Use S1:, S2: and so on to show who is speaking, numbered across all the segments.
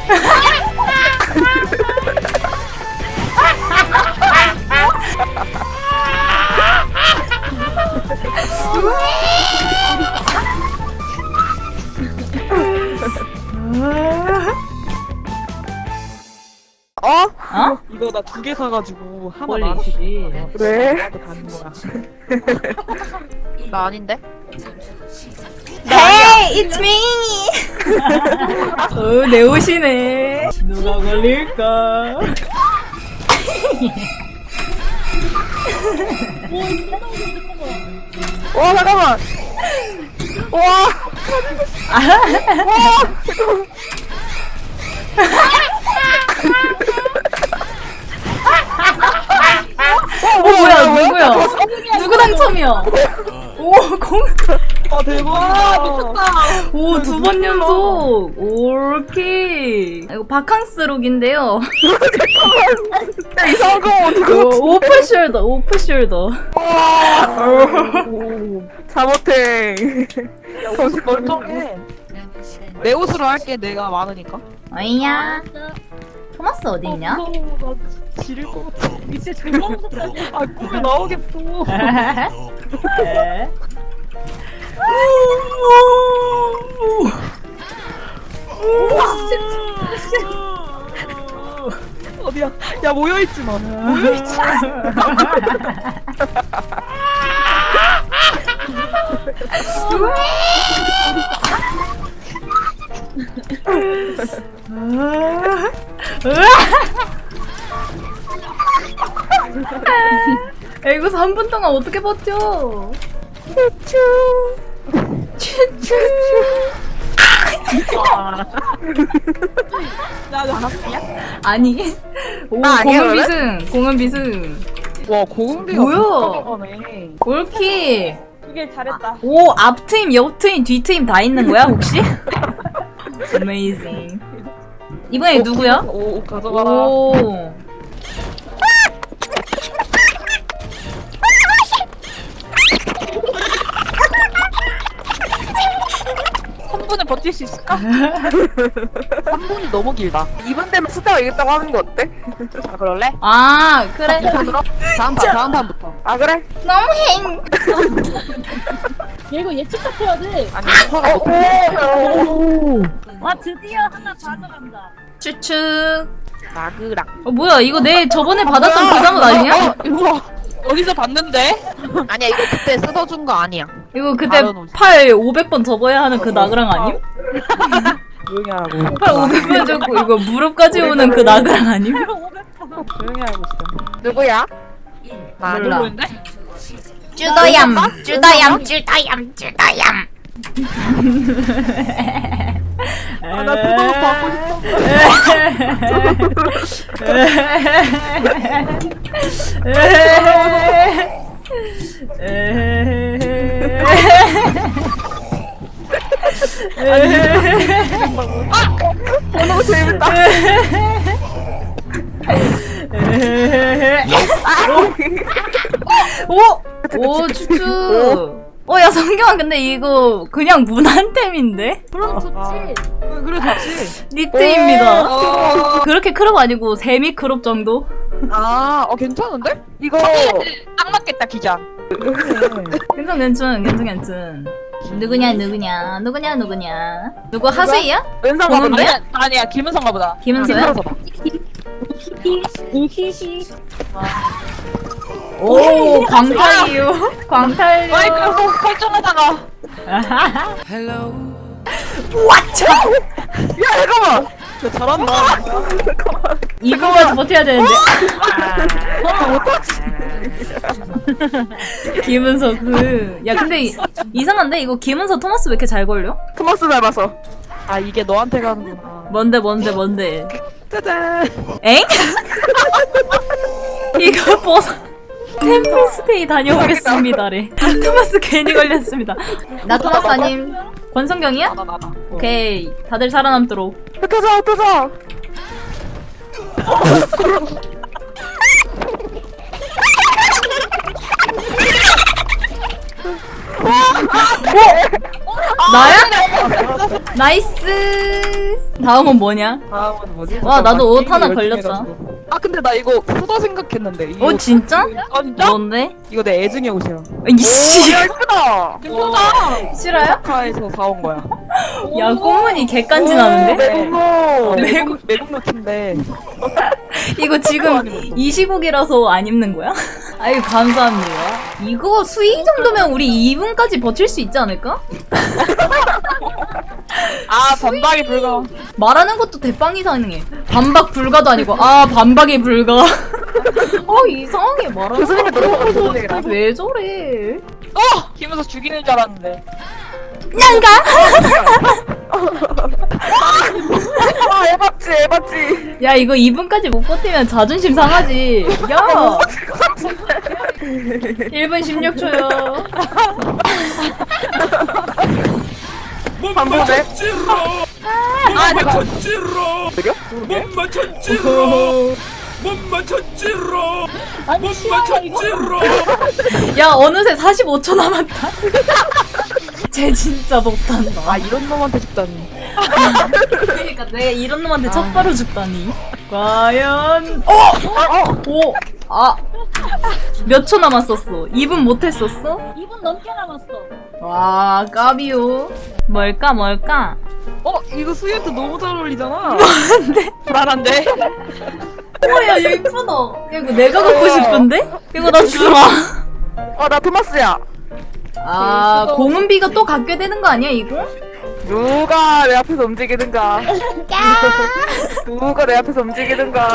S1: 어?
S2: 어?
S3: 이거 나 2개 사가지고 하나
S2: 홀리
S3: 나한테
S2: 씨.
S1: 왜?
S3: 나한테 가는 거야.
S1: 나 아닌데?
S2: Hey, it's me. 내 옷이네. 누가 걸릴까?
S1: 와 잠깐만. 와.
S2: 뭐야 누구야? 누구 당첨이야? 오 공.
S3: 아 대박 미쳤다.
S2: 오, 2번 연속! 오케이! 이거 바캉스룩인데요.
S1: 야, 이상한 거 어떡해.
S2: 오프숄더, 오프숄더.
S1: 잘못해.
S3: 정신 멀쩡해. 내 옷으로 할게 내가 많으니까.
S2: 어이야. 토마스 어딨냐?
S3: 무서워, 나 지릴 것 같아. 이제 존나 무섭다. 아 꿈에 나오겠어. 어디야? 야 모여있지 마. 모여있지 마.
S2: 야, 이거 3분 동안 어떻게 버텨? 추추.
S3: 나도 하나뿐이야?
S2: 아니. 오,
S1: 나 아니야,
S2: 공은
S1: 그러면?
S2: 비승, 공은 비승.
S3: 와 고흥비가
S2: 뭐야?
S3: 비싸가네.
S2: 올키.
S3: 이게 잘했다.
S2: 오, 앞트임, 옆트임, 뒤트임 다 있는 거야, 혹시? Amazing. 이번에 누구야?
S3: 오 가져가라.
S2: 오.
S3: 한 분을 버틸 수 있을까? 3분이 너무 길다.
S1: 2분 되면 숫자가 이겼다고 하는 거 어때?
S3: 자 그럴래?
S2: 아, 그래.
S3: 다음 판부터.
S1: 아 그래?
S2: 너무 행.
S4: 얘 이거 예측해야 돼.
S3: 아니 서가 못.
S4: 와 드디어 하나 가져간다.
S2: 추측.
S3: 나그랑.
S2: 뭐야, 이거 내 저번에 받았던 그 장은 아니냐?
S3: 이거 어디서 봤는데?
S1: 아니야 이거 그때 쓰러준 거 아니야.
S2: 이거 그때
S3: 다른 옷이.
S2: 팔 500번 접어야 하는 그 나그랑 아님?
S3: 조용히 하라고.
S2: 팔 500번 접고 이거 무릎까지 오는 그 나그랑 아님?
S3: 조용히 하고 있어.
S1: 누구야?
S2: 몰라.
S3: 모르는데?
S2: 쭈더얌, 쭈더얌, 쭈더얌, 쭈더얌.
S3: 아나 그거 받고 싶어.
S1: 너무 재밌다.
S2: 오, 추추. 야, 성경아, 근데 이거 그냥 무난템인데?
S4: 그럼 좋지.
S3: 그래 좋지.
S2: 니트입니다.
S3: 어.
S2: 그렇게 크롭 아니고 세미 크롭 정도?
S3: 괜찮은데?
S1: 이거
S3: 딱 맞겠다 기자.
S2: 괜찮. 누구냐? 누구 하수이야?
S1: 은사
S2: 보는
S1: 받은데?
S3: 아니야 김은성가 보다.
S2: 김은서야?
S4: 이히히.
S2: 오, 광탈이요. 광탈이요.
S3: 마이크로폰 설정하다가.
S2: 와차!
S1: 야 잠깐만.
S3: 야, 잘한다.
S2: 이거까지 버텨야 되는데. 김은서 야, 근데 이상한데? 이거 김은서 토마스 왜 이렇게 잘 걸려?
S1: 토마스 닮아서.
S3: 아 이게 너한테 가는구나.
S2: 뭔데?
S1: 짜잔.
S2: 엥? 이거 벗어. 템플스테이 다녀오겠습니다래. 토마스 괜히 걸렸습니다. 나 토마스 아님. 권성경이야?
S3: 나다.
S2: 오케이. 다들 살아남도록.
S1: 흩어져.
S2: 나야? 나이스. 다음은 뭐냐?
S1: 다음은 뭐지?
S2: 와, 나도 옷 하나
S1: 게임이 열심히
S2: 걸렸다.
S1: 해가지고. 아 근데 나 이거 후더 생각했는데. 이
S2: 어
S1: 옷.
S2: 진짜?
S3: 아 진짜?
S2: 뭔데?
S1: 이거 내 애증의 옷이야.
S2: 이씨
S1: 야 예쁘다.
S3: 예쁘다.
S2: 싫어요?
S1: 카에서 사온 거야.
S2: 야 꽃무늬 개간지나는데?
S1: 매국노.
S2: 매국-
S1: 매국노 티인데.
S2: 이거 지금 25기라서 안 입는 거야? 아유 감사합니다. 이거 수위 정도면 우리 2분까지 버틸 수 있지 않을까?
S3: 아 반박이 불가.
S2: 말하는 것도 대빵 이상해. 반박 불가도 아니고 아 반박이 불가. 이상하게 말하는
S1: 교수님이 들어가 교수님이랑.
S2: 왜 저래?
S3: 김에서 죽이는 줄 알았는데.
S2: 냥가?
S1: 아 에바지 에바지.
S2: 야 이거 2분까지 못 버티면 자존심 상하지. 야 1분 16초요.
S1: 반복해.
S3: 아 내가
S1: 느려?
S5: 못 맞췄지로 못 맞췄지로
S4: 아니
S5: 못
S4: 싫어요 이거.
S5: 맞췄지로
S2: 야 어느새 45초 남았다. 쟤 진짜 못한다.
S1: 아 이런 놈한테 죽다니.
S2: 그러니까 내가 이런 놈한테 첫바로 죽다니. 과연 오! 몇 초 남았었어? 2분 못했었어?
S4: 2분 넘게 남았어.
S2: 와 까비오. 뭘까?
S1: 이거 수유한테 너무 잘 어울리잖아.
S3: 불안한데.
S2: 야 예쁘다. 야, 이거 내가 갖고 싶은데? 이거 나 주라.
S1: 나 토마스야.
S2: 공은비가 또 갖게 되는 거 아니야 이거?
S1: 누가 내 앞에서 움직이든가. 누가 내 앞에서 움직이든가.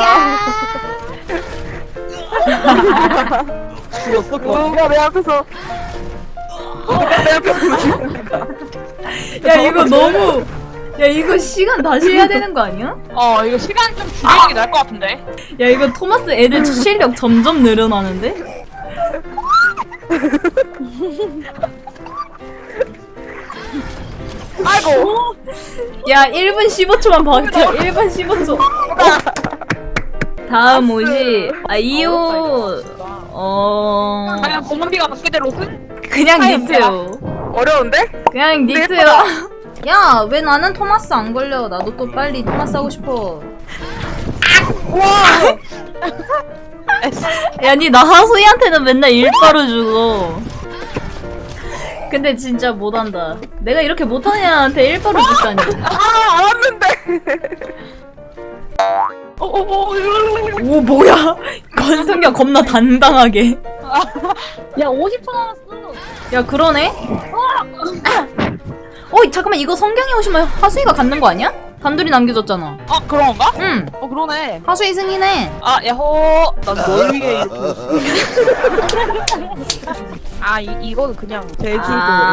S3: 죽었어
S1: 누가 내 앞에서. 누가 내 앞에서 움직이든가.
S2: 야 이거 너무 야 이거 시간 다시 해야 되는 거 아니야?
S3: 이거 시간 좀 줄이는 게 나을 것 같은데.
S2: 야 이거 토마스 애들 실력 점점 늘어나는데?
S1: 아이고.
S2: 야 1분 15초만 버텨. 1분 15초. 다음 옷이 이 옷
S3: 과연 공원비가 받게 될 옷은?
S2: 그냥 니트요.
S1: 어려운데?
S2: 그냥 니트요.
S1: 예쁘다.
S2: 야 왜 나는 토마스 안 걸려? 나도 또 빨리 토마스 하고 싶어.
S1: 와.
S2: 야 니 나 하소이한테는 맨날 일바로 주고. 근데 진짜 못한다. 내가 이렇게 못하는 애한테 일바로 주다니.
S1: 알았는데.
S2: 오 뭐야? 권성경 겁나 당당하게.
S4: 야 50초 남았어.
S2: 야 그러네? 잠깐만 이거 성경이 오시면 하수이가 갖는 거 아니야? 단둘이 남겨줬잖아.
S3: 그런 건가?
S2: 응.
S1: 그러네.
S2: 하수이 승이네.
S3: 야호.
S1: 난 널 위해 이렇게. 이거는 그냥 제주도.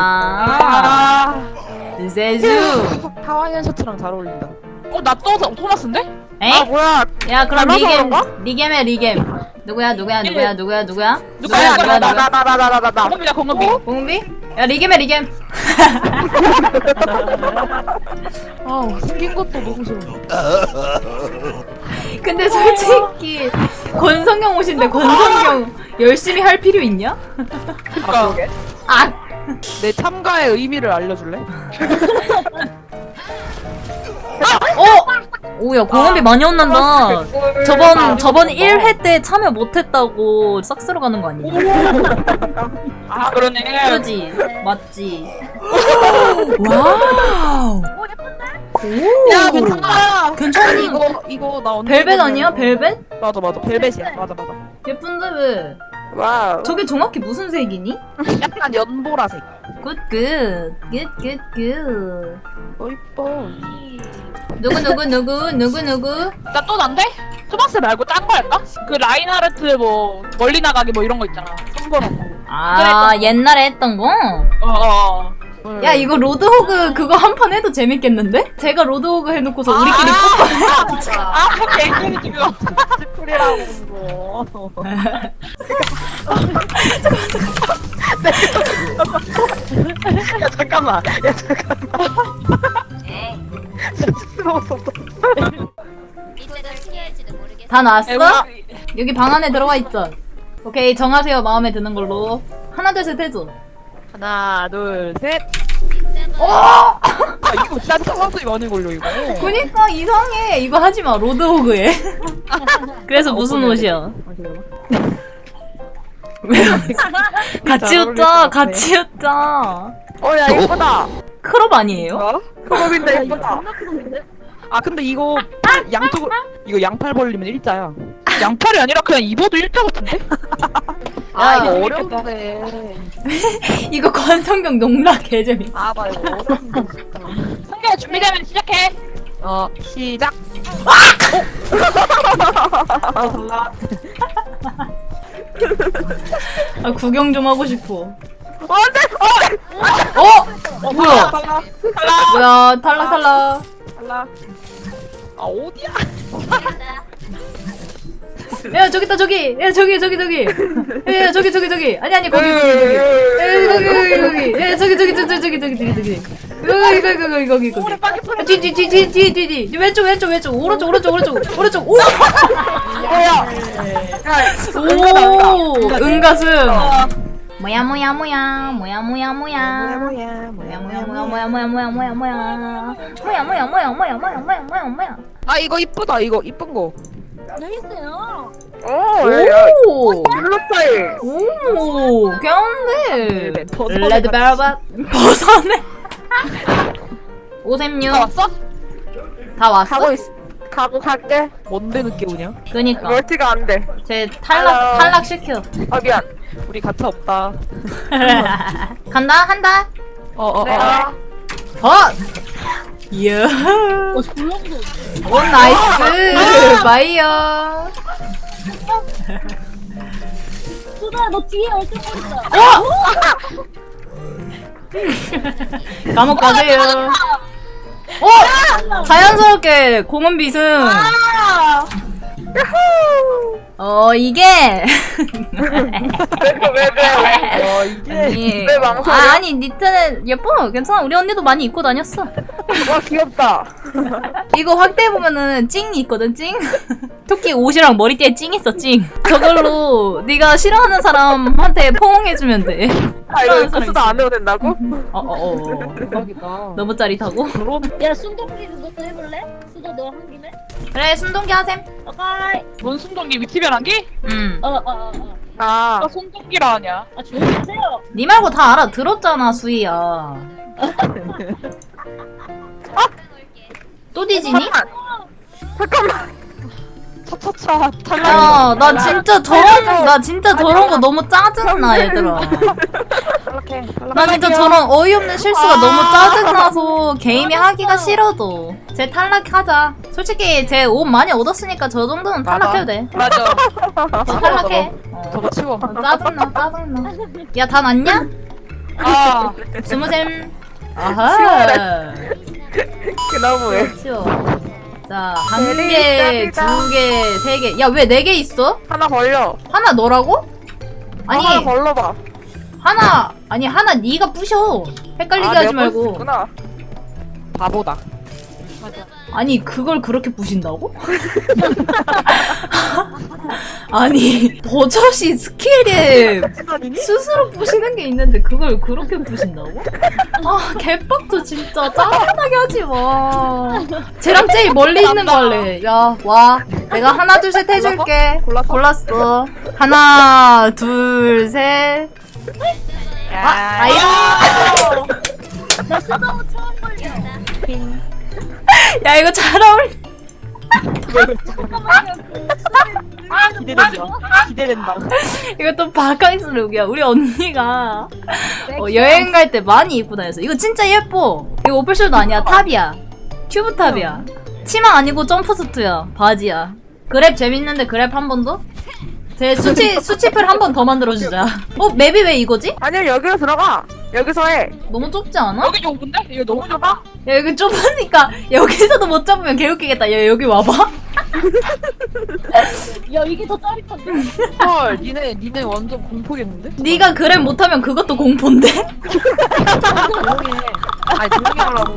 S2: 세주.
S1: 하와이안 셔츠랑 잘 어울린다.
S3: 나 또 토마스인데?
S2: 에?
S1: 뭐야?
S2: 야 그럼
S1: 닮아서
S2: 리겜
S1: 그런가?
S2: 리겜해 리겜. 누구야?
S3: 누가야?
S1: 나.
S3: 공원비야 공원비.
S2: 공비? 야 리겜해 리겜.
S1: 생긴 것도 너무 싫어.
S2: 근데 솔직히 권성경 옷인데 권성경 열심히 할 필요 있냐?
S1: 그러게.
S2: 아!
S1: 내 참가의 의미를 알려줄래?
S2: 오야 공원비 많이 혼난다. 저번 1회 때 참여 못했다고 싹쓸어 가는 거 아니냐?
S3: 그러네.
S2: 그지? 맞지? 와우!
S3: 야 괜찮아.
S2: 괜찮니?
S1: 이거 나 언제
S2: 벨벳
S1: 입었냐면-
S2: 아니야? 벨벳?
S1: 맞아 벨벳이야. 맞아.
S2: 예쁜데 왜?
S1: 와우.
S2: 저게 정확히 무슨 색이니?
S1: 약간 연보라색.
S2: 굿굿
S1: 이뻐.
S2: 누구
S3: 나 또 난데? 토마스 말고 딴 거 할까? 그 라인하르트 뭐 멀리 나가기 뭐 이런 거 있잖아. 선거하고.
S2: 옛날에 했던 거? 야 이거 로드호그 그거 한 판 해도 재밌겠는데? 제가 로드호그 해놓고서 우리끼리
S3: 개인적인 지금.
S1: 스쿨이라고 그거. 야 잠깐만. 스스러웠어.
S2: 다 나왔어?
S3: 에바.
S2: 여기 방 안에 들어와 있죠? 오케이 정하세요. 마음에 드는 걸로. 하나 둘 셋 해줘.
S1: 하나 둘 셋.
S2: 오!
S1: 이거 진짜 상황이 많이 걸려 이거.
S2: 그니까 이상해. 이거 하지마. 로드호그에. 그래서 무슨 옷이야? 같이
S1: 잘 어울릴 것
S2: 웃자.
S1: 같아.
S2: 같이 웃자.
S1: 야 예쁘다.
S2: 크롭 아니에요?
S1: 뭐? 크롭인데
S4: 이거
S1: 예쁘다.
S4: 존나 크던데?
S1: 아 근데 이거 양쪽 이거 양팔 벌리면 일자야.
S3: 양팔이 아니라 그냥 입어도 일자 같은데?
S1: 아 이거
S3: 재밌겠다.
S1: 어려운데.
S2: 이거 권성경 농락 개재밌어.
S1: 아나 이거 어려운데 진짜.
S3: 성규야 준비되면 시작해.
S1: 시작. 달라.
S2: 아, 구경 좀 하고 싶어.
S1: 안돼.
S2: 뭐야?
S1: 달라.
S2: 뭐야? 탈락 탈락.
S1: 달라. 아 어디야?
S2: 야 저기 있다 저기. 야 저기. 야 저기. 아니 거기. 야 저기. 여기. 뒤. 왼쪽. 오른쪽. 오. 오. 은가슴. 뭐야.
S1: 아 이거 이쁘다 이거 이쁜 거.
S4: 여기 있어요.
S2: 오.
S1: 블루 스타일.
S2: 오. 괜찮네.
S1: 벗어내
S2: 레드 벨벳 벗어내. 536.
S3: 다 왔어?
S2: 다 왔어?
S1: 갈게. 뭔데 늦게 오냐?
S2: 그니까.
S1: 멀티가 안 돼.
S2: 쟤 탈락 시켜.
S1: 아 미안. 우리 가차 없다.
S2: 한다. 헛! 이야.
S4: 졸라 무서워.
S2: 오, 나이스. 바이어.
S4: 수다 너 뒤에 얼쩡거린다.
S2: 감옥 가세요. 자연스럽게 공은 비승. 이게.
S1: 왜 이게
S2: 아니,
S1: 왜 망설여?
S2: 아니, 니트는 예뻐. 괜찮아. 우리 언니도 많이 입고 다녔어.
S1: 와 귀엽다.
S2: 이거 확대해보면은 찡이 있거든, 찡? 토끼 옷이랑 머리띠에 찡 있어, 찡. 저걸로 네가 싫어하는 사람한테 포옹해주면 돼.
S1: 아 이거 수도 안 해도 된다고? 대박이다.
S2: 너무 짜릿하고?
S4: 야 순동기도 너도 해볼래? 수다 너 한 김에?
S2: 그래, 순동기 하셈.
S4: 오케이.
S3: 뭔 순동기 위치변환기?
S1: 아
S3: 나 손동기라 하냐?
S4: 아 조용히 하세요.
S2: 니 말고 다 알아들었잖아, 수희야. 또 뒤지니?
S1: 잠깐만. 차차차 탈락.
S2: 야, 나 진짜 저런 거 너무 짜증나, 얘들아.
S1: 탈락해.
S2: 나 진짜 저런 어이없는 실수가 너무 짜증나서 게임이 하기가 싫어도. 쟤 탈락하자. 솔직히 쟤 옷 많이 얻었으니까 저 정도는 탈락해도 돼.
S3: 맞아.
S2: 저 탈락해.
S1: 저거 치워.
S2: 짜증나. 야, 다 났냐?
S3: 아,
S2: 스무셈. 아하.
S1: 그 나무에.
S2: 그렇죠. 자, 1개, 2개, 3개. 야, 왜 4개 있어?
S1: 하나 벌려.
S2: 하나 너라고? 아니,
S1: 하나 벌러봐.
S2: 하나 네가 부셔. 헷갈리게 하지 말고.
S1: 구나. 바보다.
S2: 아니, 그걸 그렇게 부신다고? 아니, 버젓이 스킬에 스스로 부시는 게 있는데 그걸 그렇게 부신다고? 아, 개빡도 진짜 짜증나게 하지 마. 쟤랑 제일 멀리 있는 거 할래. 야, 와. 내가 하나, 둘, 셋 해줄게. 골랐어. 하나, 둘, 셋. 아이고.
S4: 나 수다 옷 처음 걸려.
S2: 야, 이거 잘 어울려.
S1: 기대된다.
S2: 이거 또 바카이스 룩이야. 우리 언니가 여행 갈 때 많이 입고 다녔어. 이거 진짜 예뻐. 이거 오플쇼도 아니야. 탑이야. 튜브 탑이야. 치마 아니고 점프수트야. 바지야. 그랩 재밌는데 그랩 한 번 더? 제 수치풀 한 번 더 만들어주자. 맵이 왜 이거지?
S1: 아니야 여기로 들어가. 여기서 해.
S2: 너무 좁지 않아?
S3: 여기 좁은데? 이거 너무 좁아?
S2: 야, 여기 좁으니까 여기서도 못 잡으면 개웃기겠다. 야, 여기 와봐.
S4: 야 이게 더 짜릿한데?
S1: 헐, 니네 완전 공포겠는데?
S2: 네가 그랩 못하면 그것도 공포인데?
S1: 조용히 해. 아니 조용히 하라고.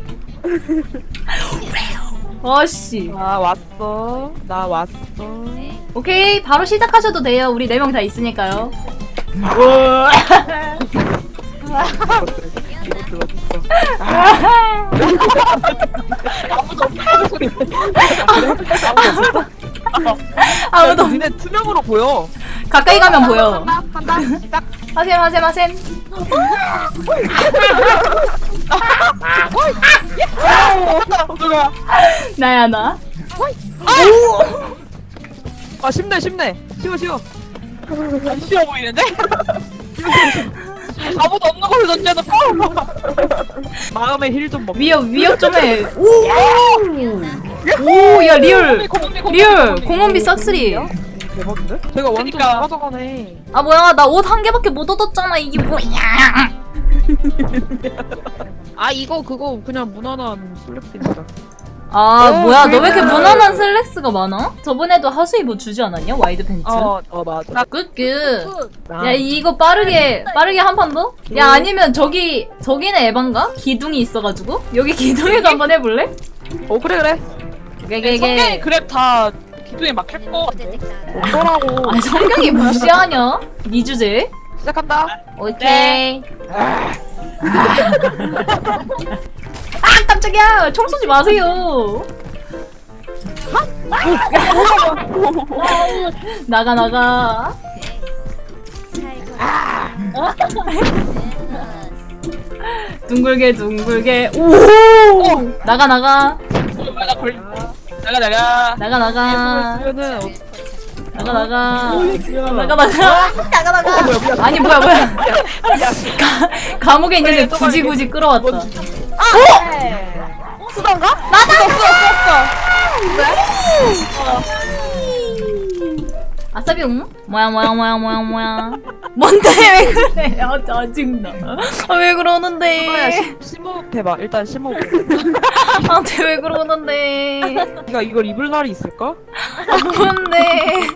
S2: 아씨.
S1: 나 왔어. 나 왔어.
S2: 오케이, 바로 시작하셔도 돼요. 우리 4명 다 있으니까요. 아무도
S1: 니네 투명으로 보여.
S2: 가까이 가면 보여.
S3: 한다 시작.
S2: 하셈.
S1: 누가?
S2: 나야 나.
S1: 아 쉽네. 쉬워.
S3: 안 쉬워 보이는데? 아무도 없는 걸로 던져놓고.
S1: 마음의 힐 좀 먹.
S2: 위협 좀 해. 오, 야 리얼 공원비 싹쓸이.
S1: 대박인데? 제가 완전
S3: 그러니까.
S1: 다 가져가네.
S2: 아 뭐야 나 옷 한 개밖에 못 얻었잖아. 이게 뭐야?
S1: 아 이거 그거 그냥 무난한 슬랙스입니다.
S2: 아 뭐야 너 왜 이렇게 무난한 슬랙스가 많아? 저번에도 하수이 뭐 주지 않았냐? 와이드 팬츠.
S1: 맞아.
S2: 굿. 야 이거 빠르게 한 판 더? 야 아니면 저기는 에반가? 기둥이 있어가지고 여기 기둥에서 한번 해볼래?
S1: 그래.
S3: 성경이
S2: 게게게.
S3: 그랩 다 기둥에 막힐 거 같아.
S1: 어쩌라고.
S2: 아 성경이 무시하냐? 니 주제.
S1: 시작한다.
S2: 오케이. 아 깜짝이야! 총 쏘지 마세요. 나가. 둥글게. 오! 나가.
S3: 나 걸려. 나가.
S2: 나가.
S1: 그러면은
S2: 나가.
S1: 뭐야.
S2: 아니 뭐야. 감옥에 있는데 굳이 끌어왔다.
S1: 수단가?
S2: 아싸비용? 뭐야. 뭔데 왜 그래? 아 짜증나. 아 왜 그러는데?
S1: 심호흡 해봐. 일단 심호흡.
S2: 아 왜 그러는데?
S1: 네가 이걸 입을 날이 있을까?
S2: 아 뭔데?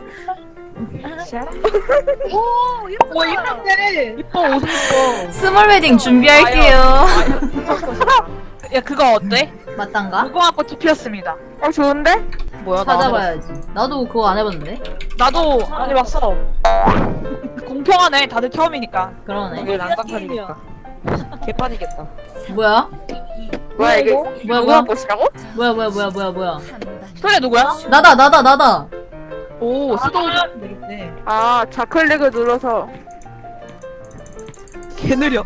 S3: 오 이쁜데.
S1: 이뻐 옷 입어.
S2: 스몰 웨딩 준비할게요.
S3: 야 그거 어때?
S2: 맞단가?
S3: 무궁화 꽃이 피었습니다.
S1: 좋은데? 뭐야
S2: 찾아봐야지. 나도 그거 안 해봤는데.
S3: 나도 안 해봤어. 공평하네. 다들 처음이니까.
S2: 그러네.
S1: 이게 난장판이니까. 개판이겠다.
S2: 뭐야?
S1: 뭐야 이거?
S2: 뭐야?
S1: 꽃이라고?
S2: 뭐야?
S3: 소리 누구야?
S2: 나다.
S1: 오 수동 되겠네.
S6: 아, 좌클릭을 눌러서
S1: 개 느려.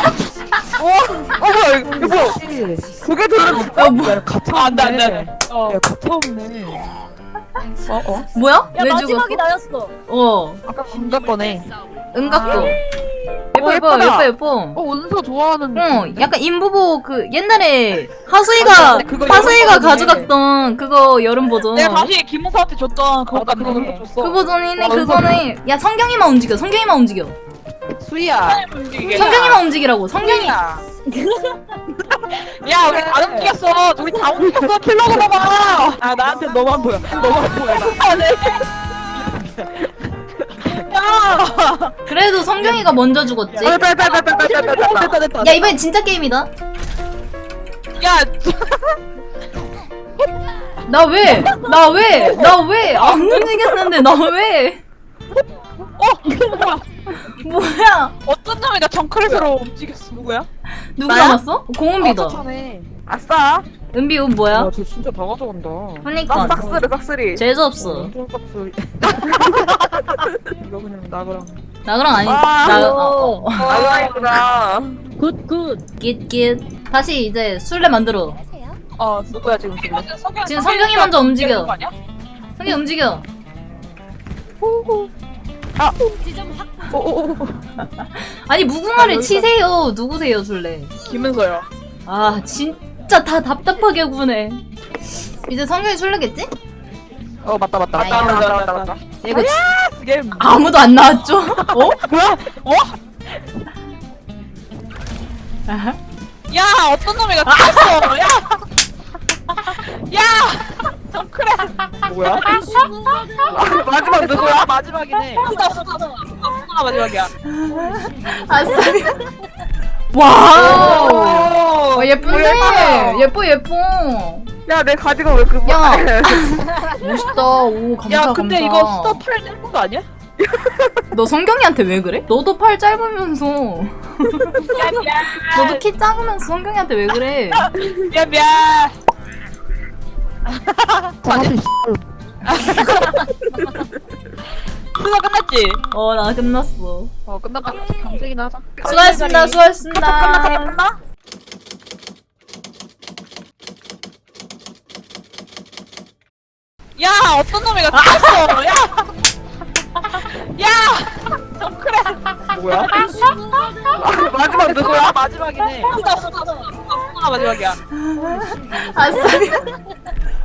S1: 뭐야 이거 뭐야? 그게 들어.
S2: 뭐야?
S1: 가차
S3: 안 돼.
S1: 야 가차 없네.
S2: 뭐야?
S4: 야
S2: 왜
S4: 마지막이
S2: 죽었어?
S4: 나였어.
S1: 아까 감자 거네.
S2: 은각도.
S1: 예쁘다.
S2: 예뻐.
S1: 원서 좋아하는.
S2: 약간 인부보 그 옛날에 하수이가
S1: 그거 여름 버전이네.
S2: 가져갔던 그거 여름 버전.
S3: 내가 다시 김무사한테 줬던 그거
S1: 나 그거
S3: 같네.
S1: 줬어.
S2: 그 버전이네.
S1: 어,
S2: 그거네. 야 성경이만 움직여.
S1: 수희야.
S2: 성경이만 움직이라고. 성경이.
S3: 야 우리 다 움직였어. 우리 다 움직였어. 킬러고 봐봐.
S1: 아 나한테 너만 보여.
S3: 야.
S2: 그래도 성경이가 먼저 죽었지.
S1: 됐다.
S2: 야 이번엔 진짜 게임이다.
S3: 야.
S2: 나 왜 안 움직였는데 나 왜? 뭐야?
S3: 어떤 놈이 나 정크렛으로 움직였어. 누구야?
S2: 누구
S1: 나야?
S2: 남았어? 공은비다.
S1: 차네.
S6: 아싸.
S2: 은비 옷 뭐야?
S1: 쟤 진짜 다 가져간다.
S2: 그니까
S6: 싹쓸이.
S2: 재수 없어.
S1: 엄청 값을. 이거 그냥 나그랑.
S2: 나그랑 아니.
S6: 아,
S2: 나.
S6: 아이구나.
S2: 깃. 다시 이제 술래 만들어.
S3: 누구야 지금
S2: 지금 성경이 먼저 움직여.
S3: 거 아니야?
S2: 성경 움직여. 아니 무궁화를 치세요. 누구세요 술래?
S3: 김은서요.
S2: 아 진짜 다 답답하게 구네. 이제 성경이 술래겠지?
S1: 맞다.
S3: 맞다.
S2: 이거
S1: 게임.
S2: 아무도 안 나왔죠? 어?
S3: 뭐야?
S2: 아하.
S3: 야 어떤 놈이 나 죽였어. 야. 정크렛.
S1: 뭐야? 마지막 누구야? 마지막이네.
S3: 누가 마지막이야?
S2: 아싸. 와우. 예쁜데. 예뻐.
S6: 야, 내 가지가 왜 그거?
S2: 야. 멋있다. 오 감사.
S3: 야 근데
S2: 감사.
S3: 이거 수다 팔 떼는 거 아니야?
S2: 너 성경이한테 왜 그래? 너도 팔 짧으면서 너도 키 작으면서 성경이한테 왜 그래?
S3: 미안 미안. 수다 끝났지?
S2: 어 나 끝났어.
S3: 끝났다. 강색이나 하자.
S2: 수고하셨습니다. 수고하셨습니다.
S6: 끝나?
S3: 야 어떤 놈이가 튀었어. 야. 야. 정크래.
S1: 뭐야?
S6: 마지막 누구야?
S3: 마지막이네. 수다 마지막이야.
S2: 아싸.